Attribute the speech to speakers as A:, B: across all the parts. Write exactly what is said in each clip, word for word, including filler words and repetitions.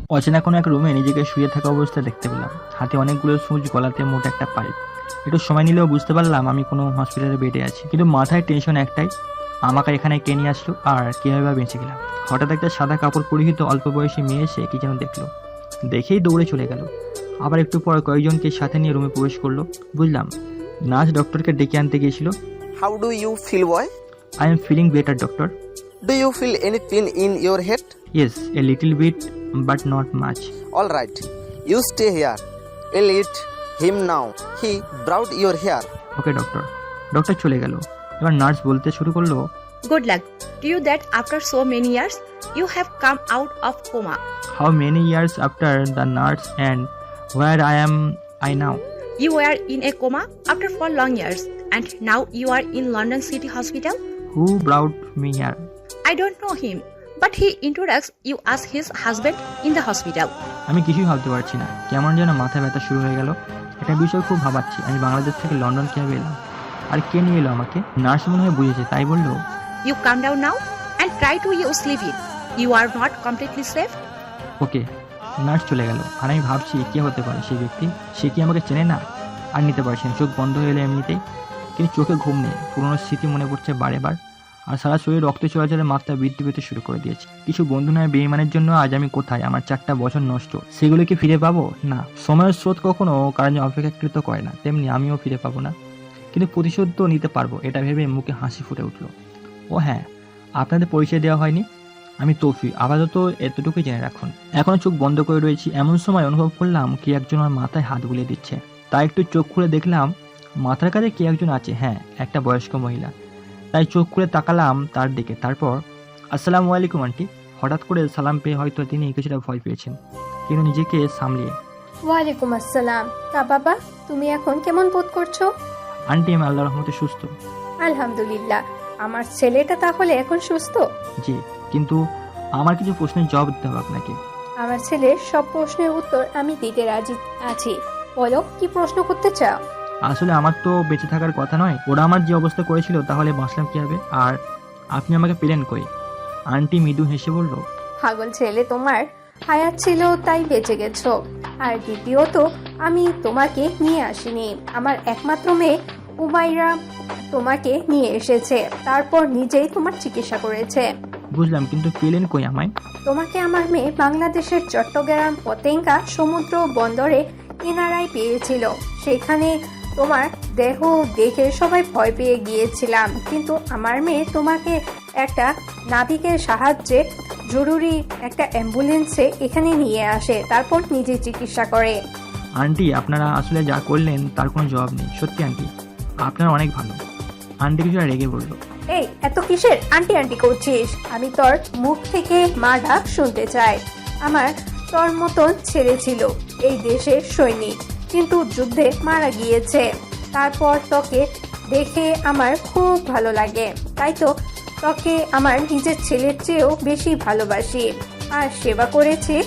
A: অচেনা কোনো এক রুমে নিজেকে শুয়ে থাকা অবস্থায় দেখতে পেলাম। হাতে অনেকগুলো সুচ, গলাতে মোটা একটা পাইপ। একটু সময় নিলেও বুঝতে পারলাম আমি কোনো হসপিটালে বেডে আছি, কিন্তু মাথায় টেনশন একটাই, আমাকে এখানে কে নিয়ে আসলো আর কীভাবে বা বেঁচে গেলাম। হঠাৎ একটা সাদা কাপড় পরিহিত অল্প বয়সী মেয়ে এসে কি যেন দেখলো, দেখেই দৌড়ে চলে গেল। আবার একটু পর কয়েকজনকে সাথে নিয়ে রুমে প্রবেশ করলো। বুঝলাম নার্স ডক্টরকে ডেকে আনতে গিয়েছিল।
B: How do you feel, boy?
A: I am feeling better doctor.
B: Do you feel any pain in your head?
A: Yes, a little bit but not much.
B: All right, you stay here. I'll eat him now. He brought your hair.
A: Okay doctor. Doctor চলে গেল। এবার nurse বলতে শুরু করলো,
C: Good luck to you that after so many years you have come out of coma.
A: How many years after the nurse and where I am I now?
C: You were in a coma after four long years and now you are in London City Hospital.
A: Who brought me here?
C: I don't know him, but he introduced you as his husband in the hospital.
A: আমি কিছুই ভাবতে পারছি না, কেমন যেন মাথা ব্যথা শুরু হয়ে গেল। একটা বিষয় খুব ভাবাচ্ছি, আমি বাংলাদেশ থেকে লন্ডন কীভাবে এলাম আর কে নিয়ে এলো আমাকে? নার্স মনে হয় বুঝেছে, তাই বললো,
C: You calm down now and try to you sleep in. You are not completely safe.
A: Okay. Nurse চলে গেল আর আমি ভাবছি কে হতে পারে সেই ব্যক্তি। সে কি আমাকে চেনে না? আর নিতে পারছি না, চোখ বন্ধ হয়ে এলো এমনিতেই, কিন্তু চোখে ঘুম নেই। পুরোনো স্মৃতি মনে পড়ছে বারে বার, আর সারা শরীরে রক্ত চলাচলের মাত্রা বৃদ্ধি পেতে শুরু করে দিয়েছে। কিছু বন্ধু নয় বেঈমানের জন্য আজ আমি কোথায়? আমার চারটা বছর নষ্ট, সেগুলো কি ফিরে পাবো? না, সময়ের স্রোত কখনো কারণ অপেক্ষাকৃত করে না, তেমনি আমিও ফিরে পাবো না, কিন্তু প্রতিশোধ তো নিতে পারবো, এটা ভেবে মুখে হাসি ফুটে উঠলো। ও হ্যাঁ, আপনাদের পরিচয় দেওয়া হয়নি, আমি তৌফিক, আপাতত এতটুকুই জেনে রাখুন। এখনো চোখ বন্ধ করে রয়েছি, এমন সময় অনুভব করলাম কি একজন আমার মাথায় হাত বুলিয়ে দিচ্ছে। তাই একটু চোখ খুলে দেখলাম মাথার কাছে কে একজন আছে, হ্যাঁ একটা বয়স্ক মহিলা। তাই চোখ খুলে তাকালাম তার দিকে। তারপর আসসালামু আলাইকুম আন্টি। হঠাৎ করে সালাম পেয়ে হয়তো তিনি কিছুটা ভয় পেয়েছেন, কিন্তু নিজেকে সামলিয়ে,
D: ওয়ালাইকুম আসসালাম। তা বাবা, তুমি এখন কেমন বোধ করছো?
A: আন্টি আমি আল্লাহর রহমতে সুস্থ।
D: আলহামদুলিল্লাহ। আমার ছেলেটা তাহলে এখন সুস্থ?
A: জি, কিন্তু আমার কিছু প্রশ্নের জবাব দিতে হবে আপনাকে।
D: আমার ছেলের সব প্রশ্নের উত্তর আমি দিতে রাজি আছি। বলো, কি প্রশ্ন করতে চাও?
A: আসলে আমার তো বেঁচে থাকার কথা নয়, ওরা আমার যে অবস্থা করেছিল তাহলে বাঁচলাম কিভাবে, আর আপনি আমাকে পেলেন কই? আন্টি মৃদু হেসে বলল,
D: পাগল ছেলে, তোমার হায়াত ছিল তাই বেঁচে গেছো। আর দ্বিতীয়ত, আমি তোমাকে নিয়ে আসিনি, আমার একমাত্র মেয়ে উমাইরা তোমাকে নিয়ে এসেছে, তারপর নিজেই তোমার চিকিৎসা করেছে।
A: বুঝলাম, কিন্তু পেলেন কই আমায়?
D: তোমাকে আমার মেয়ে বাংলাদেশের চট্টগ্রাম পতেঙ্গা সমুদ্র বন্দরে কিনারায় পেয়েছিল। সেখানে তোমার দেহ দেখে সবাই ভয় পেয়ে গিয়েছিলাম, কিন্তু আমার মেয়ে তোমাকে একটা নাবিকের সাহায্যে জরুরি একটা অ্যাম্বুলেন্সে এখানে নিয়ে আসে, তারপর নিজে চিকিৎসা করে।
A: আন্টি আপনারা আসলে যা করলেন তার কোনো জবাব নেই, সত্যি আন্টি আপনারা অনেক ভালো। আন্টি কিছুটা রেগে বলল,
D: এই এত কিসের আন্টি আন্টি করছিস? আমি তোর মুখ থেকে মা ডাক শুনতে চাই। আমার তোর মতন ছেলে ছিল এই দেশের সৈনিক, কিন্তু যুদ্ধে মারা গিয়েছে। তারপর তোকে দেখে আমার খুব ভালো লাগে, তাই তো তোকে আমার নিজের ছেলের চেয়েও বেশি ভালোবাসি আর সেবা করেছি।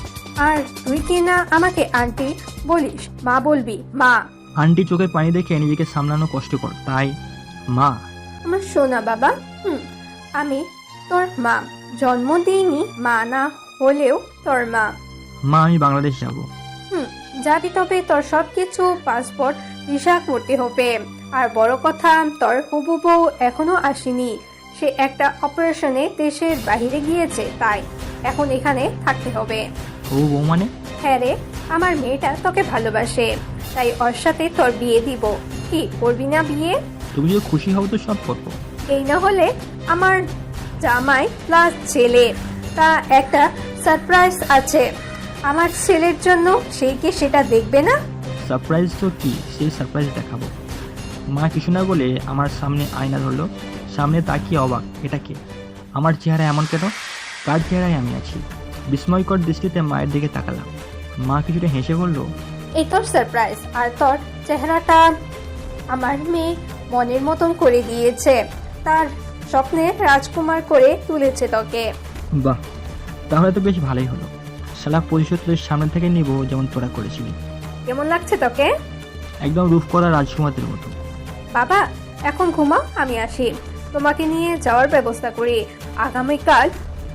D: আর তুই কি না আমাকে আন্টি বলিস? মা বলবি, মা।
A: আন্টি চোখে পানি দেখে নিজেকে সামলানো কষ্টকর, তাই মা।
D: আমার সোনা বাবা, হুম আমি তোর মা, জন্ম দিইনি, মা না হলেও তোর মা।
A: মা আমি বাংলাদেশ যাব।
D: হুম যাবি, তবে তোর সব কিছু পাসপোর্ট ভিসা করতে হবে। আর বড় কথা, তোর হবু বউ এখনো আসেনি, সে একটা অপারেশনে দেশের বাহিরে গিয়েছে, তাই এখন এখানে থাকতে হবে।
A: ও বউ মানে?
D: হ্যাঁ রে, আমার মেয়েটা তোকে ভালোবাসে, তাই ওর সাথে তোর বিয়ে দিব। কি করবি না বিয়ে?
A: তুমি যদি খুশি হও তো সব করবো।
D: এই না হলে আমার জামাই প্লাস ছেলে, তা একটা সারপ্রাইজ আছে আমার ছেলের জন্য, সেই কি সেটা দেখবে না?
A: সারপ্রাইজ তো কি, সেই সারপ্রাইজ দেখাবো। মা কিছু না বলে আমার সামনে আয়না ধরলো, সামনে তাকিয়ে অবাক, এটা কে? আমার চেহারা এমন কেন? কার চেহারায় আমি আছি? বিস্ময়কর দৃষ্টিতে মায়ের দিকে তাকালাম। মা কিছুটা হেসে বলল,
D: এই তোর সারপ্রাইজ, আর তোর চেহারাটা আমার মেয়ে মনের মতন করে দিয়েছে, তার স্বপ্নে রাজকুমার করে তুলেছে তোকে।
A: বাহ, তাহলে তো বেশ ভালোই হলো। শালা প্রতিশোধ তোদের সামনে থেকে নিব, যেমন তোরা করেছিলি।
D: কেমন লাগছে তোকে?
A: একদম রূপ করা রাজকুমারদের মতো।
D: বাবা এখন ঘুমাও, আমি আসি, তোমাকে নিয়ে যাওয়ার ব্যবস্থা করি। আগামীকাল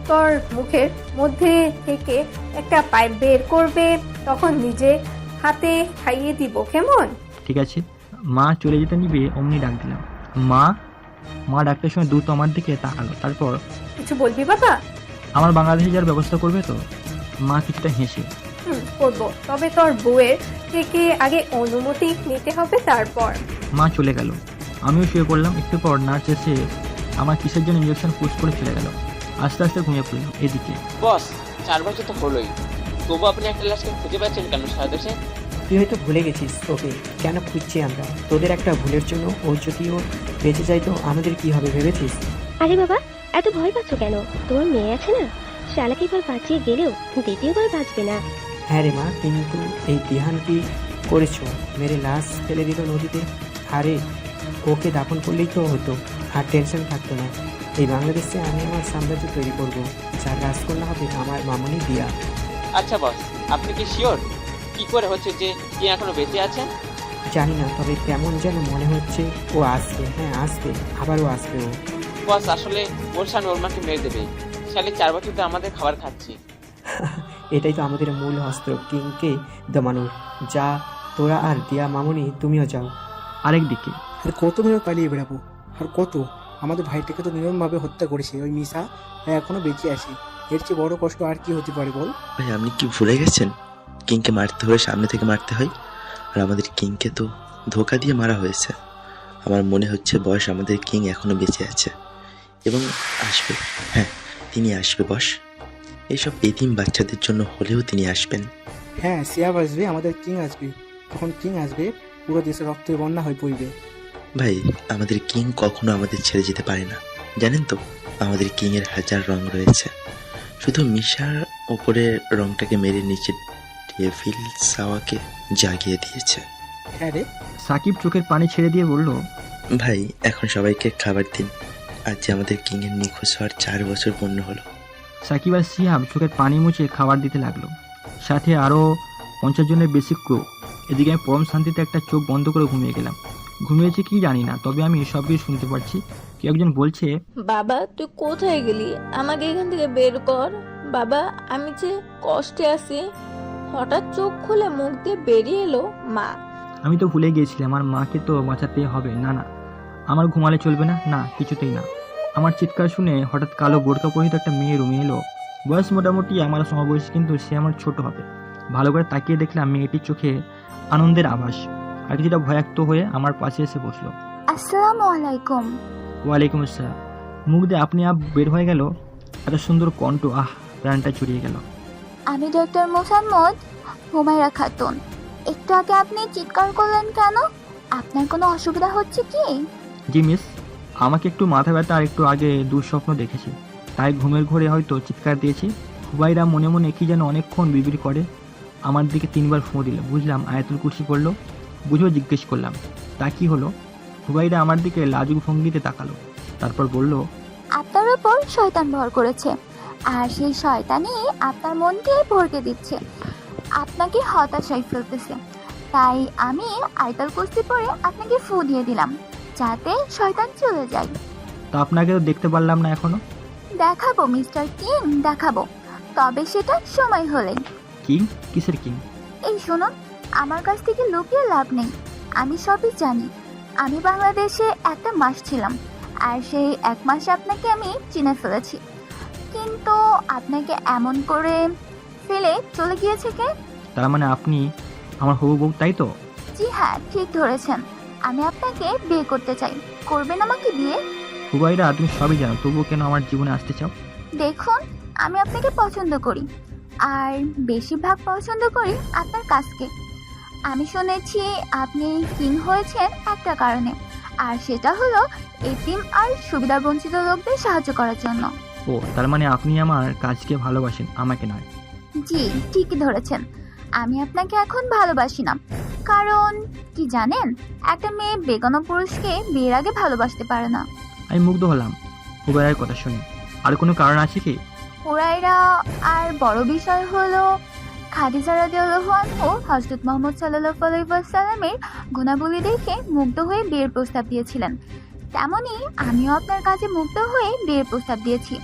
D: তোর মুখের মধ্যে থেকে একটা পাইপ বের করবে, তখন নিজে হাতে খাইয়ে দিব, কেমন?
A: ঠিক আছে। মা চলে যেতে নিবে অমনি ডাক দিলাম, মা। মা ডাকটার সময় দ্রুত আমার দিকে তাকালো, তারপর
D: কিছু বলবি বাবা?
A: আমার বাংলাদেশে যাওয়ার ব্যবস্থা করবে তো? মা কিছুটা হেসে,
D: হুম, করবো, তবে তোর বউয়ের থেকে আগে অনুমতি নিতে হবে, তারপর।
A: মা চলে গেল। আমিও শুয়ে পড়লাম। একটু পর নার্স এসে আমার কিসের জন্য ইঞ্জেকশন পুশ করে চলে গেল। আস্তে আস্তে ঘুমিয়ে পড়লাম। এদিকে
E: বস, চার বছর তো হলোই, তবু আপনি একটা লাশকে খুঁজে পাচ্ছেন কেন সারা দেশে?
F: তুই হয়তো ভুলে গেছিস ওকে কেন খুঁজছি আমরা। তোদের একটা ভুলের জন্য ও যদি ও বেঁচে যায় তো আমাদের কি হবে ভেবেছিস?
G: আরে বাবা, এত ভয় পাচ্ছ কেন? তোমার মেয়ে আছে না, শালাকে এবার বাঁচিয়ে গেলেও দ্বিতীয়বার বাঁচবে না।
F: হ্যাঁ রে মা, কিন্তু এই দিহান কি করেছো? মেরে লাশ ফেলে দিল নদীতে। আরে ওকে দাফন করলেই তো হতো, আর টেনশন থাকতো না। এই বাংলাদেশে আমি আমার সাম্রাজ্য তৈরি করব, যার রাজকন্যা হবে আমার মামনি দিয়া।
E: আচ্ছা বস, আপনি কি শিওর? কি করে হচ্ছে যে কি এখনো বেঁচে আছেন?
F: জানি না, তবে কেমন যেন মনে হচ্ছে ও আসবে। হ্যাঁ আসবে, আবারও আসবে ও।
E: বস, আসলে ওর সামনে ওর মাকে মেরে দেবে। শালে চার বছর তো আমাদের খাবার খাচ্ছি।
F: এটাই তো আমাদের মূল অস্ত্র, কিংকে দমানোর। যা তোরা আর দিয়া মামনি তুমিও যাও।
A: আরেক দিকে
H: আর কত মেরে পালিয়ে বেড়াবো? আর কত? আমাদের ভাইটাকে তো নির্মমভাবে হত্যা করেছে ওই মিশা, এখনো বেঁচে আছে। এর চেয়ে বড় কষ্ট আর কি হতে পারে বল?
I: ভাই আপনি কি ভুলে গেছেন কিংকে মারতে হলে সামনে থেকে মারতে হয়, আর আমাদের কিংকে তো ধোকা দিয়ে মারা হয়েছে। আমার মনে হচ্ছে বয়স আমাদের কিং এখনো বেঁচে আছে এবং আসবে। হ্যাঁ তিনি আসবে বস, এইসব এতিম বাচ্চাদের জন্য হলেও তিনি আসবেন।
H: হ্যাঁ, সিয়াব আসবে, আমাদের কিং আসবে। তখন কিং আসবে, পুরো দেশে রক্তের বন্যা হয়ে পড়বে।
I: ভাই আমাদের কিং কখনো আমাদের ছেড়ে যেতে পারে না, জানেন তো? আমাদের কিং এর হাজার রং রয়েছে, শুধু মিশার ওপরে রংটাকে মেরে নিচে ডেভিল সাওয়াকে জাগিয়ে দিয়েছে।
H: হ্যাঁ রে।
A: সাকিব চোখের পানি ছেড়ে দিয়ে বলল,
I: ভাই এখন সবাইকে খাবার দিন, আজ যে আমাদের কিং এর নিখোঁজ হওয়ার চার বছর পূর্ণ হলো।
A: সাকিব আর সিহাব চোখের পানি মুছে খাবার দিতে লাগলো, সাথে আরও পঞ্চাশ জনের বেশি ক্রু। এদিকে আমি পরম শান্তিতে একটা চোখ বন্ধ করে ঘুমিয়ে গেলাম। ঘুমিয়েছি কি জানি না, তবে আমি সব কিছু শুনতে পারছি। কেউ একজন বলছে,
J: বাবা তুই কোথায় গেলি? আমাকে এখান থেকে বের কর বাবা, আমি যে কষ্টে আছি। হঠাৎ চোখ খুলে মুখ দিয়ে বেরিয়ে এলো মা।
A: আমি তো ভুলে গিয়েছিলাম আমার মাকে তো বাঁচাতে হবে। না না, আমার ঘুমালে চলবে না, না কিছুতেই না। আমার চিৎকার শুনে হঠাৎ কালো বোরকা পরিহিত একটা মেয়ে রুমে এলো। বয়স মোটামুটি আমার সমবয়সী, কিন্তু সে আমার ছোট হবে। ভালো করে তাকিয়ে দেখলাম মেয়েটির চোখে আনন্দের আভাস, আর কিছুটা ভয়াক্ত হয়ে আমার পাশে এসে বসলো।
G: আসসালামু আলাইকুম।
A: ওয়ালাইকুম আসসালাম। মুখ দিয়ে আপনি আপ বের হয়ে গেল এত সুন্দর কণ্ঠ, আহ প্রাণটা চুরিয়ে গেল।
G: আমি ডক্টর মোসাম্মদ হুমায়রা খাতুন। একটু আগে আপনি চিৎকার করলেন কেন? আপনার কোনো অসুবিধা হচ্ছে কি?
A: জি মিস, আমাকে একটু মাথা ব্যথা আর একটু আগে দুঃস্বপ্ন দেখেছি, তাই ঘুমের ঘোরে হয়তো চিৎকার দিয়েছি। হুবাইরা মনে মনে কি যেন অনেকক্ষণ বিবির করে আমার দিকে তিনবার ফোঁ দিল। বুঝলাম আয়াতুল কুরসি পড়লো। বুঝেও জিজ্ঞেস করলাম, তা কি হলো? হুবাইরা আমার দিকে লাজুক ভঙ্গিতে তাকালো, তারপর বলল,
G: আপনার উপর শয়তান ভর করেছে, আর সেই শয়তানই আপনার মনকে ভরকে দিচ্ছে, আপনাকে হতাশায় ফেলতেছে। তাই আমি আয়াতুল কুরসি পড়ে আপনাকে ফু দিয়ে দিলাম, যাতে শয়তান চলে যায়।
A: তা আপনাকে তো দেখতে পারলাম না এখনো।
G: দেখাবো মিস্টার কিং, দেখাবো, তবে সেটা সময় হলেই।
A: কিং? কিসের কিং?
G: এই শুনুন, আমার কাছ থেকে লুকিয়ে লাভ নেই, আমি সবই জানি। আমি বাংলাদেশে একটা মাস ছিলাম, আর সেই এক মাসে আপনাকে আমি চিনে ফেলেছি। কিন্তু আপনাকে এমন করে ফেলে চলে গিয়েছে কে?
A: তার মানে আপনি আমার হবু বউ, তাই তো?
G: জি হ্যাঁ, ঠিক ধরেছেন। আমি আপনাকে বিয়ে করতে চাই। করবেন আমাকে বিয়ে?
A: হুবাইরা তুমি সবই জানো, তবুও কেন আমার জীবনে আসতে চাও?
G: দেখুন, আমি আপনাকে পছন্দ করি, আর বেশিরভাগ পছন্দ করি আপনার কাজকে। আমি শুনেছি আপনি কিং হয়েছেন একটা কারণে, আর সেটা হলো এতিম আর সুবিধাবঞ্চিত লোকদের সাহায্য করার জন্য।
A: ও, তার মানে আপনি আমার কাজকে ভালোবাসেন, আমাকে নয়।
G: জি ঠিকই ধরেছেন, আমি আপনাকে এখন ভালোবাসি না। কারণ কি জানেন, একটা মেয়ে বেগানো পুরুষকে বিয়ের আগে ভালোবাসতে পারে না।
A: আমি মুগ্ধ হলাম হুবাইরার কথা শুনে। আর কোনো কারণ আছে কি?
G: হুরায়রা আর বড় বিষয় হলো খাদিজা রাদিয়াল্লাহু আনহু হযরত মুহাম্মদ সাল্লাল্লাহু আলাইহি ওয়াসাল্লামের গুণাবলী দেখে মুগ্ধ হয়ে বিয়ের প্রস্তাব দিয়েছিলেন। তেমনি আমিও আপনার কাছে মুগ্ধ হয়ে বিয়ের প্রস্তাব দিয়েছি।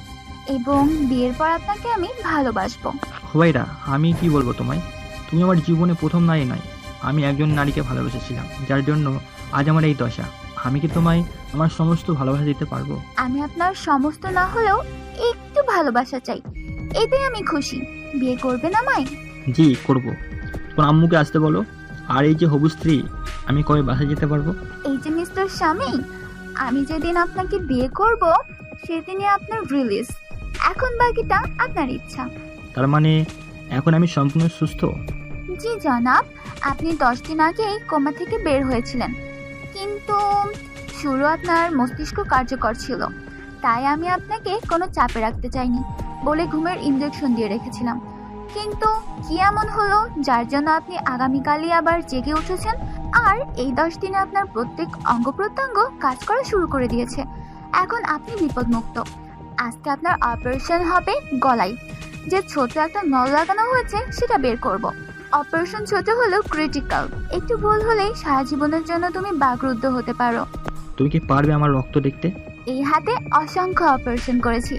G: এবং বিয়ের পর আপনাকে আমি ভালোবাসবো।
A: হুবাইরা, আমি কি বলবো তোমায়, তুমি আমার জীবনে প্রথম নারী নয়। আমি একজন নারীকে ভালোবেসেছিলাম, যার জন্য আজ আমার এই দশা। আমি কি তোমায় আমার সমস্ত ভালোবাসা দিতে পারবো?
G: আমি আপনার সমস্ত না হলেও একটু ভালোবাসা চাই, এতে আমি খুশি। বিয়ে করবেন আমায়?
A: জি করব। তোমার আম্মুকে আসতে বলো। আর এই যে হবু স্ত্রী, আমি কবে বাসায় যেতে পারবো?
G: এই যে মিস্টার স্বামী, আমি যেদিন আপনাকে বিয়ে করব সেদিনই আপনার রিলিজ। এখন বাকিটা আপনার ইচ্ছা।
A: তার মানে এখন আমি সম্পূর্ণ সুস্থ?
G: জি জনাব, আপনি দশ দিন আগেই কোমা থেকে বের হয়েছিলেন, কিন্তু শুরু আপনার মস্তিষ্ক কার্যকর ছিল, তাই আমি আপনাকে কোনো চাপে রাখতে চাইনি বলে ঘুমের ইনজেকশন দিয়ে রেখেছিলাম। কিন্তু কি এমন হলো যার জন্য আপনি আগামীকালই আবার জেগে উঠেছেন, আর এই দশ দিনে আপনার প্রত্যেক অঙ্গ প্রত্যঙ্গ কাজ করা শুরু করে দিয়েছে। এখন আপনি বিপদমুক্ত। আজকে আপনার অপারেশন হবে গলায়। যে ছোট একটা নল লাগানো হয়েছে সেটা বের করব। অপারেশন ছোট হলেও ক্রিটিক্যাল, একটু ভুল হলেই সারা জীবনের জন্য তুমি বাকরুদ্ধ হতে পারো।
A: তুমি কি পারবে আমার রক্ত দেখতে?
G: এই হাতে অসংখ্য অপারেশন করেছি,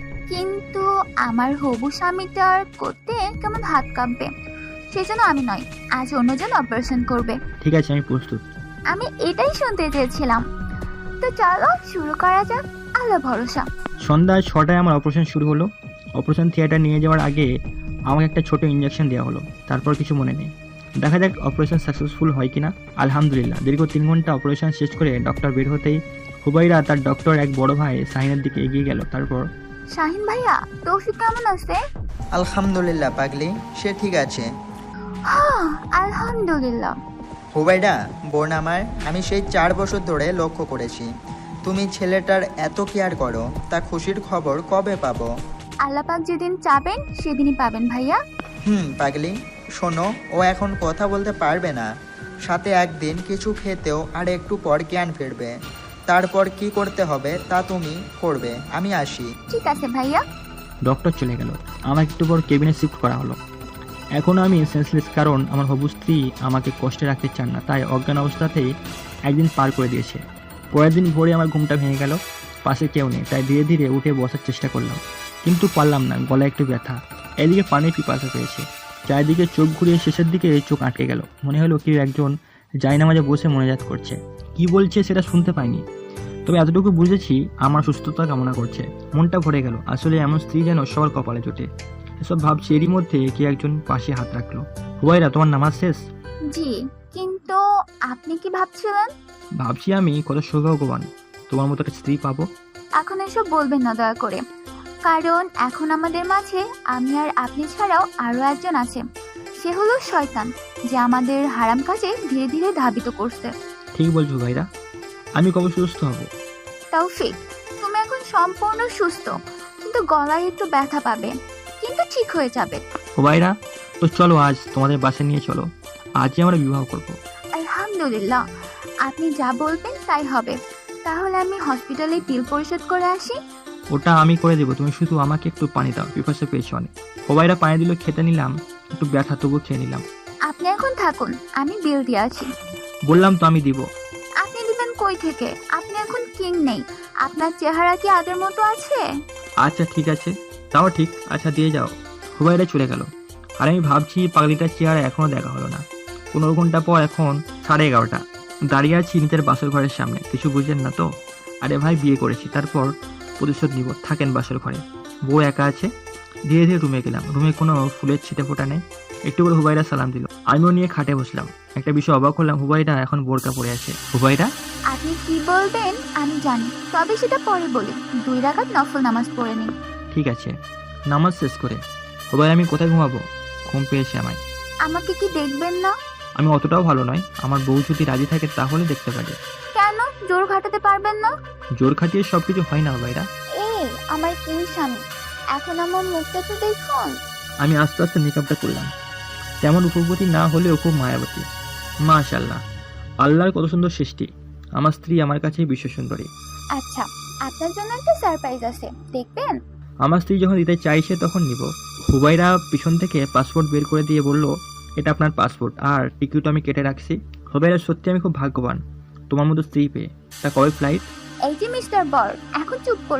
G: কিন্তু আমার হবু স্বামীটার করতে কেমন হাত কাঁপবে, সেজন্য আমি নয়, আজ অন্যজন অপারেশন করবে।
A: ঠিক আছে, আমি প্রস্তুত।
G: আমি এটাই শুনতে চেয়েছিলাম। তো চলো শুরু করা যাক, আল্লাহ ভরসা।
A: সন্ধ্যা ছটায় আমার অপারেশন শুরু হলো। অপারেশন থিয়েটার নিয়ে যাওয়ার আগে আমাকে একটা ছোট ইঞ্জেকশন দেওয়া হলো, তারপর কিছু মনে নেই। দেখা যাক অপারেশন সাকসেসফুল হয় কিনা। আলহামদুলিল্লাহ, দীর্ঘ তিন ঘন্টা অপারেশন শেষ করে ডক্টর বের হতেই হুবাইরা তার ডক্টর এক বড় ভাই শাহিনের দিকে এগিয়ে গেল। তারপর,
G: শাহিন ভাইয়া, তৌফিক কেমন আছে?
K: আলহামদুলিল্লাহ পাগলি, সে ঠিক আছে।
G: হ্যাঁ আলহামদুলিল্লাহ।
K: হুবাইডা বোন আমার, আমি সেই চার বছর ধরে লক্ষ্য করেছি তুমি ছেলেটার এত কেয়ার করো, তা খুশির খবর কবে পাবো?
G: আল্লাপাক যেদিন চাবেন সেদিনই পাবেন ভাইয়া।
K: হুম পাগলি, শোনো, ও এখন কথা বলতে পারবে না, সাথে একদিন কিছু খেতেও আর একটু পর জ্ঞান ফিরবে। তারপর কি করতে হবে তা তুমি করবে, আমি আসি।
G: ঠিক আছে ভাইয়া।
A: ডক্টর চলে গেল। আমাকে একটু পর কেবিনে শিফট করা হলো। এখন আমি সেন্সলেস, কারণ আমার হবু স্ত্রী আমাকে কষ্টে রাখতে চান না, তাই অজ্ঞান অবস্থাতেই একদিন পার করে দিয়েছে। পরের দিন ভোরে আমার ঘুমটা ভেঙে গেল। পাশে কেউ নেই, তাই ধীরে ধীরে উঠে বসার চেষ্টা করলাম, কিন্তু পারলাম না, গলায় একটু ব্যথা। এদিকে পানির পিপাসা পেয়েছে। চারিদিকে চোখ ঘুরিয়ে শেষের দিকে চোখ আটকে গেল। মনে হলো কেউ একজন জায়নামাজে বসে মোনাজাত করছে। কি বলছে সেটা শুনতে পাইনি, তবে এতটুকু বুঝেছি আমার সুস্থতা কামনা করছে। মনটা ভরে গেল। আসলে এমন স্ত্রী যেন সবার কপালে জোটে। এসব ভাবছি, এরই মধ্যে কে একজন পাশে হাত রাখলো। হুবাইরা, তোমার নামাজ শেষ?
G: জি, কিন্তু আপনি কি ভাবছিলেন?
A: ভাবছি আমি কত সৌভাগ্যবান তোমার মতো একটা স্ত্রী পাবো।
G: এখন এসব বলবেন না দয়া করে, কারণ এখন আমাদের মাঝে আমি আর আপনি ছাড়াও আরো একজন আছে। সে হলো শয়তান, যে আমাদের হারাম কাজে ধীরে ধীরে ধাবিত করছে।
A: ঠিক বলছো ভাইরা, আমি কবে সুস্থ হব?
G: তৌফিক, তুমি এখন সম্পূর্ণ সুস্থ, কিন্তু গলায় একটু ব্যথা পাবে, কিন্তু ঠিক হয়ে যাবে।
A: হুবাইরা, তো চলো আজ তোমাদের বাসে নিয়ে চলো, আজই আমরা বিবাহ করব।
G: আলহামদুলিল্লাহ, আপনি যা বলবেন তাই হবে। তাহলে আমি হসপিটালে বিল পরিশোধ করে আসি।
A: ওটা আমি করে দেবো, তুমি শুধু আমাকে একটু পানি দাও, পিপাসা পেয়েছো অনেক। হুবাইরা পানি দিল, খেতে নিলাম, একটু ব্যথা তবু খেয়ে নিলাম।
G: আপনি এখন থাকুন, আমি বিল দিয়ে আছি।
A: বললাম তো আমি দিব।
G: আপনি দিবেন কই থেকে? আপনি এখন কিং নেই, আপনার চেহারা কি আগের মতো আছে?
A: আচ্ছা ঠিক আছে, তাও ঠিক, আচ্ছা দিয়ে যাও। হুবাইরা চলে গেল। আর আমি ভাবছি পাগলিটার চেহারা এখনো দেখা হলো না। পনেরো ঘন্টা পর এখন সাড়ে এগারোটা, দাঁড়িয়ে আছি নিজের বাসর ঘরের সামনে। কিছু বুঝলেন না তো? আরে ভাই, বিয়ে করেছি, তারপর প্রতিশোধ নিব। থাকেন বাসর ঘরে, বউ একা আছে। ধীরে ধীরে রুমে গেলাম। রুমে কোনো ফুলের ছিটে ফোটা নেই। একটু করে হুবাইরা সালাম দিল, আমিও নিয়ে খাটে বসলাম। একটা বিষয় অবাক হলাম, হুবাইরা এখন বোরকা পরে আছে। হুবাইরা,
G: আপনি কি বলবেন আমি জানি, তবে সেটা পরে বলি। দুই রাকাত নফল নামাজ পড়ে নিন।
A: ঠিক আছে। নামাজ শেষ করে হুবাইরা, আমি কোথায় ঘুমাবো? ঘুম পেয়েছে আমায়।
G: আমাকে কি দেখবেন না?
A: আমি অতটাও ভালো নয়, আমার বউ যদি রাজি থাকে তাহলে দেখতে পারি।
G: কেন জোর খাটাতে পারবেন না?
A: জোর খাটিয়ে সবকিছু হয় না হুবাইরা।
G: এই আমার কিং স্বামী, এখন আমার মুখটা তো দেখুন।
A: আমি আস্তে আস্তে মেকআপটা করলাম। তেমন উপপতি না হলেও খুব মায়াবতী। মাশাআল্লাহ, আল্লাহর কত সুন্দর সৃষ্টি। আমার স্ত্রী আমার কাছে বিশ্ব সুন্দরী।
G: আচ্ছা, আপনার জন্য একটা সারপ্রাইজ আছে, দেখবেন?
A: আমার স্ত্রী যখন দিতে চাইছে তখন নিব। হুবাইরা পিছন থেকে পাসপোর্ট বের করে দিয়ে বলল, এটা আপনার পাসপোর্ট, আর টিকিট আমি কেটে রাখছি। হুবাইরা, সত্যি আমি খুব ভাগ্যবান তোমার মতো স্ত্রী পেয়ে। তা কবে ফ্লাইট?
G: এই যে মিস্টার বর, এখন চুপ করুন।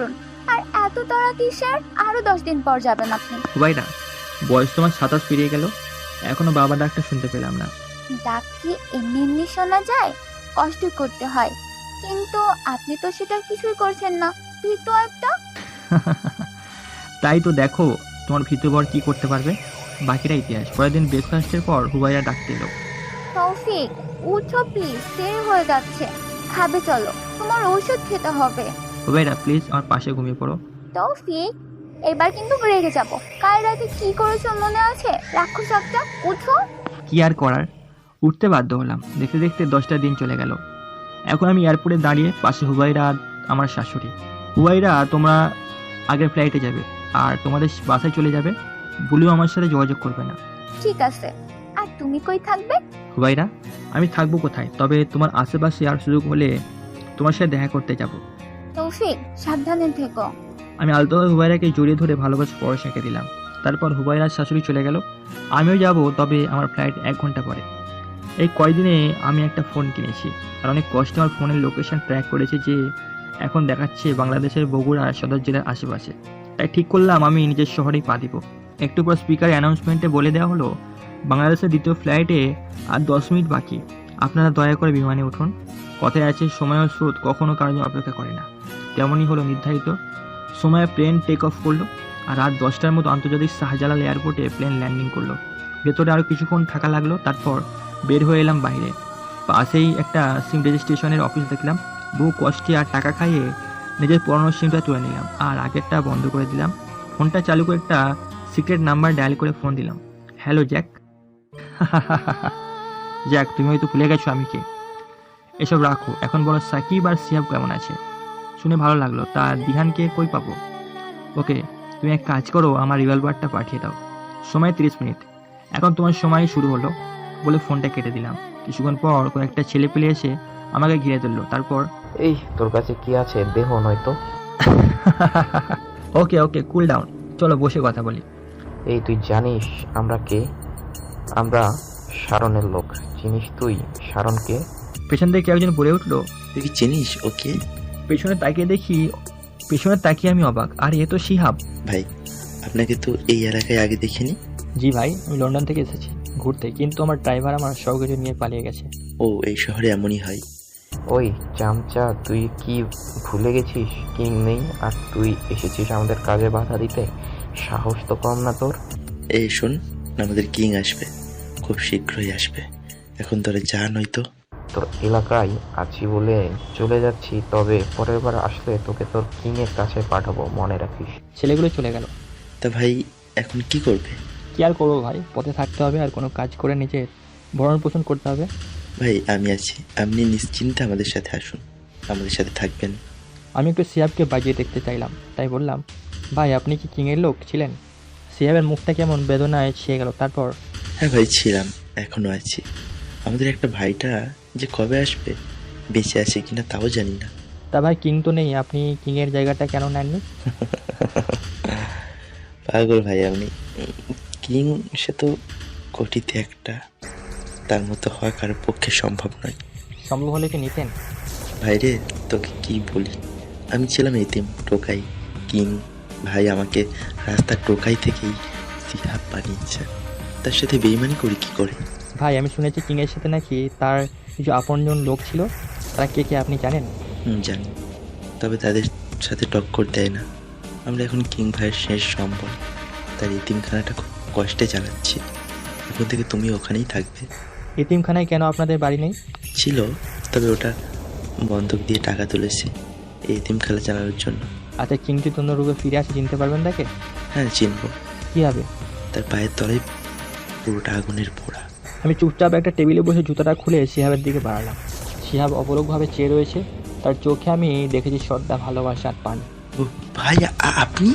G: আর এত তাড়া কিসের? আরো দশ দিন পর যাবেন আপনি।
A: হুবাইরা, বয়স তোমার সাতাশ পেরিয়ে গেল, এখনো বাবা ডাকটা শুনতে পেলাম না।
G: ডাক কি এমনি এমনি শোনা যায়? কষ্ট করতে হয়, কিন্তু আপনি তো সেটা কিছুই করছেন না। ভীতু একটা।
A: তাই তো দেখো তোমার ভিতর কি করতে পারবে, বাকিটা ইতিহাস। পরের দিন ব্রেকফাস্টের পর হুবাইরা ডাকতে এলো।
G: তৌফিক, উঠো প্লিজ, দেরি হয়ে যাচ্ছে। খাবে চলো, তোমার ঔষধ খেতে হবে।
A: হুবাইরা প্লিজ আমার পাশে ঘুমিয়ে পড়ো।
G: তৌফিক, এবার কিন্তু রেগে যাবো। কাল রাতে কি করেছো মনে আছে? রাক্ষস একটা, উঠো।
A: কি আর করার, উঠতে বাধ্য হলাম। দেখতে দেখতে দশটা দিন চলে গেল। এখন আমি এয়ারপোর্টে দাঁড়িয়ে, পাশে হুবাইরা আর আমার শাশুড়ি। হুবাইরা, তোমরা আগের ফ্লাইটে যাবে আর তোমাদের বাসায় চলে যাবে, বলেও আমার সাথে যোগাযোগ করবে না।
G: ঠিক আছে, আর তুমি কই থাকবে?
A: হুবাইরা, আমি থাকবো কোথায়, তবে তোমার আশেপাশে আর সুযোগ হলে তোমার সাথে দেখা করতে যাব।
G: তৌফিক, সাবধানে থেকো।
A: আমি আলতোভাবে হুবাইরাকে জড়িয়ে ধরে ভালোবাসা পরশ এঁকে দিলাম। তারপর হুবাইরার শাশুড়ি চলে গেল, আমিও যাব, তবে আমার ফ্লাইট এক ঘন্টা পরে। এই কয়দিনে আমি একটা ফোন কিনেছি আর অনেক কষ্টে আমার ফোনের লোকেশন ট্র্যাক করেছে, যে এখন দেখাচ্ছে বাংলাদেশের বগুড়া সদর জেলার আশেপাশে। তাই ঠিক করলাম আমি নিজের শহরেই পা দিব। একটু পর স্পিকার অ্যানাউন্সমেন্টে বলে দেওয়া হলো, বাংলাদেশের দ্বিতীয় ফ্লাইটে আর দশ মিনিট বাকি, আপনারা দয়া করে বিমানে উঠুন। কথায় আছে, সময় ও স্রোত কখনো কারো জন্য অপেক্ষা করে না। তেমনই হলো নির্ধারিত সময়ে প্লেন টেক অফ করলো আর রাত দশটার মতো আন্তর্জাতিক শাহজালাল এয়ারপোর্টে প্লেন ল্যান্ডিং করলো। ভেতরে আরও কিছুক্ষণ থাকা লাগলো, তারপর বের হয়ে এলাম বাইরে। পাশেই একটা সিম রেজিস্ট্রেশনের অফিস দেখলাম। বহু কষ্টে আর টাকা খাইয়ে নিজের পুরনো সিমটা তুলে নিলাম আর আগেরটা বন্ধ করে দিলাম। ফোনটা চালু করে একটা সিক্রেট নাম্বার ডায়াল করে ফোন দিলাম। Hello Jack. জ্যাক, তুমি হয়তো ভুলে গেছো আমি কে। এসব রাখো, এখন বলো সাকিব আর সিয়াব কেমন আছে? শুনে ভালো লাগলো। তা দিহানকে কই পাবো? ওকে, তুমি এক কাজ করো, আমার রিভলভারটা পাঠিয়ে দাও। সময় তিরিশ মিনিট, এখন তোমার সময় শুরু হলো বলে ফোনটা কেটে দিলাম। কিছুক্ষণ পর কয়েকটা ছেলে পেলে এসে আমাকে ঘিরে ধরলো। তারপর,
L: এই তোর কাছে কি আছে, দেহ নয়তো।
A: ওকে ওকে কুল ডাউন, চলো বসে কথা বলি।
L: এই তুই জানিস আমরা কে? আমরা শারনের লোক। চিনিস তুই শারনকে?
A: পেছন থেকে একজন বলে উঠলো,
I: তুই কি চিনিস ওকে?
A: পেছনে তাকিয়ে দেখি, পেছনে তাকিয়ে আমি অবাক, আর এ তো শিহাব
I: ভাই। আপনাকে তো এই এলাকায় আগে দেখিনি।
A: জি ভাই, আমি লন্ডন থেকে এসেছি ঘুরতে, কিন্তু আমার ড্রাইভার আমার সব কিছু নিয়ে পালিয়ে গেছে।
I: ও, এই শহরে এমনই হয়।
L: ওই চামচা, তুই কি ভুলে গেছিস কিং নেই আর তুই এসেছিস আমাদের কাজে বাধা দিতে? সাহস তো কম না তোর।
I: এই শোন, আমাদের কিং আসবে, খুব শীঘ্রই আসবে। এখন তোরা যা, নয়তো।
L: তোর এলাকায় আছি বলে চলে যাচ্ছি, তবে পরের বার আসলে তোকে তোর কিং এর কাছে পাঠাবো, মনে রাখিস।
A: ছেলেগুলো চলে গেল।
I: তা ভাই এখন কি করবে?
A: কি আর করবো ভাই, পথে থাকতে হবে আর কোনো কাজ করে নিজের ভরণ পোষণ করতে হবে।
I: ভাই আমি আছি, আপনি নিশ্চিন্তে আমাদের সাথে আসুন, আমাদের সাথে থাকবেন।
A: আমি একটু সিয়াবকে বাজিয়ে দেখতে চাইলাম, তাই বললাম, ভাই আপনি কি কিংয়ের লোক ছিলেন? সিয়াবের মুখটা কেমন বেদনায় ছেয়ে গেল। তারপর,
I: হ্যাঁ ভাই ছিলাম, এখনো আছি। আমাদের একটা ভাইটা যে কবে আসবে, বেঁচে আছে কিনা তাও জানি না।
A: তা ভাই কিং তো নেই, আপনি কিংয়ের জায়গাটা কেন নেননি?
I: পাগল ভাই আপনি। কিং সে তো কোটিতে একটা, তার মতো হওয়া কারোর পক্ষে সম্ভব নয়।
A: সম্ভব হলে কি নিতেন?
I: ভাইরে তোকে কি বলি, আমি ছিলাম এতিম, টোকাই। কিং ভাই আমাকে রাস্তার টোকাই থেকেই সিহাব বানিয়েছে, তার সাথে বেইমানি করি কি করে?
A: ভাই আমি শুনেছি কিংয়ের সাথে নাকি তার কিছু আপনজন লোক ছিল, তারা কে কে আপনি জানেন?
I: হুম জানি, তবে তাদের সাথে টক্কর দেয় না। আমরা এখন কিং ভাইয়ের শেষ সম্বল, তার এতিমখানাটা খুব কষ্টে চালাচ্ছি। এখন থেকে তুমি ওখানেই থাকবে।
A: এতিমখানায় কেন আপনাদের বাড়ি নেই?
I: ছিল, তবে ওটা বন্ধক দিয়ে টাকা তুলেছে এই এতিমখানা চালানোর জন্য।
A: আচ্ছা, কিং যদি অন্য রূপে ফিরে আসে চিনতে পারবেন তাকে?
I: হ্যাঁ চিনবো।
A: কি হবে?
I: তার পায়ের তলায় পুরোটা আগুনের পোড়া।
A: আমি চুপচাপ একটা টেবিলে বসে জুতাটা খুলে শিহাবের দিকে বাড়ালাম। শিহাব অপলকভাবে চেয়ে রয়েছে, তার চোখে আমি দেখেছি শ্রদ্ধা, ভালোবাসা আর পান।
I: ভাই আপনি?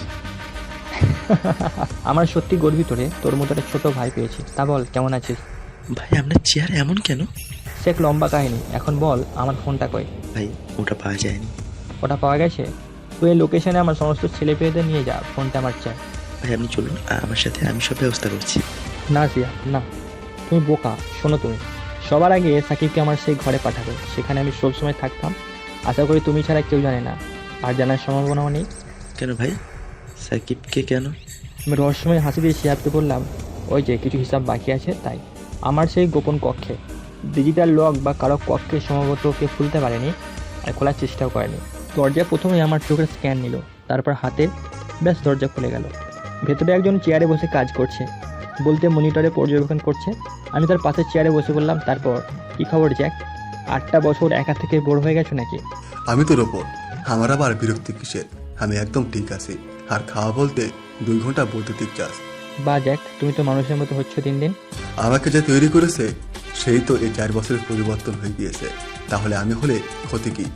A: আমার সত্যি গর্বিত রে, তোর মতো একটা ছোট ভাই পেয়েছি। তা বল কেমন আছিস?
I: ভাই আপনার চেহারা এমন কেন?
A: সে এক লম্বা কাহিনী, এখন বল আমার ফোনটা কই?
I: ভাই ওটা পাওয়া যায়নি।
A: ওটা পাওয়া গেছে? তুই এই লোকেশনে আমার সমস্ত ছেলে পেয়েদের নিয়ে যা, ফোনটা আমার চাই।
I: ভাই আপনি চলুন আমার সাথে, আমি সব ব্যবস্থা করছি।
A: না সিয়া না, তুমি বোকা। শোনো, তুমি সবার আগে সাকিবকে আমার সেই ঘরে পাঠাবে, সেখানে আমি সবসময় থাকতাম। আশা করি তুমি ছাড়া কেউ জানে না, আর জানার সম্ভাবনাও নেই।
I: কেন ভাই? সাকিবকে কেন?
A: আমি রহস্যময় হাসি দিয়ে শিহাবকে বললাম, ওই যে কিছু হিসাব বাকি আছে তাই। আমার সেই গোপন কক্ষে ডিজিটাল লক বা কারো কক্ষে সম্ভবত কে খুলতে পারেনি আর খোলার চেষ্টাও করেনি। দরজা প্রথমে আমার চোখের স্ক্যান নিল, তারপর হাতে ব্যাস দরজা খুলে গেল। ভেতরে একজন চেয়ারে বসে কাজ করছে, বলতে মনিটরে পর্যবেক্ষণ করছে। আমি তার পাশে চেয়ারে বসে বললাম, তারপর কী খবর জ্যাক? আটটা বছর একা থেকে বোর হয়ে গেছো নাকি?
M: আমি তোর ওপর আমার আবার বিরক্তি কিসের? আমি একদম ঠিক আছি। আর খাওয়া বলতে দুই ঘন্টা বৈদ্যুতিক চাষ।
A: বা জ্যাক, তুমি তো মানুষের মতো হচ্ছ দিন দিন।
M: আমাকে যে তৈরি করেছে সেই তো এই চার বছরের পরিবর্তন হয়ে গিয়েছে, তাহলে আমি হলে ক্ষতি কি?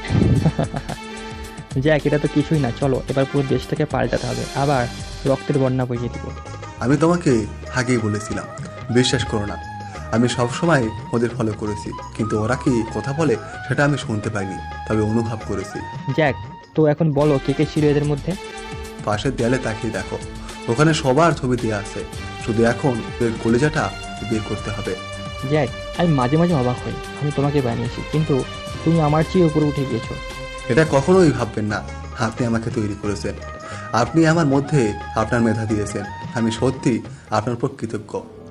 A: জ্যাক, এটা তো কিছুই না, চলো এবার পুরো দেশটাকে পাল্টাতে হবে, আবার রক্তের বন্যা বইয়ে দিব।
M: আমি তোমাকে আগেই বলেছিলাম, বিশ্বাস করো না। আমি সবসময় ওদের ফলো করেছি, কিন্তু ওরা কি কথা বলে সেটা আমি শুনতে পাইনি, তবে অনুভব করেছি।
A: জ্যাক, তো এখন বলো কে কে ছিল এদের মধ্যে?
M: পাশের দেয়ালে তাকিয়ে দেখো, ওখানে সবার ছবি দেওয়া আছে। শুধু এখন ওদের কলেজাটা বের করতে হবে।
A: জ্যাক, আমি মাঝে মাঝে অবাক হই, আমি তোমাকে বানিয়েছি কিন্তু তুমি আমার চেয়ে উপরে উঠে গিয়েছো।
M: এটা কখনোই ভাববেন না, আপনি আমাকে তৈরি করেছেন। আপনি আমার মধ্যে আপনার মেধা দিয়েছেন। আমি সত্যি আপনার উপর কৃতজ্ঞ।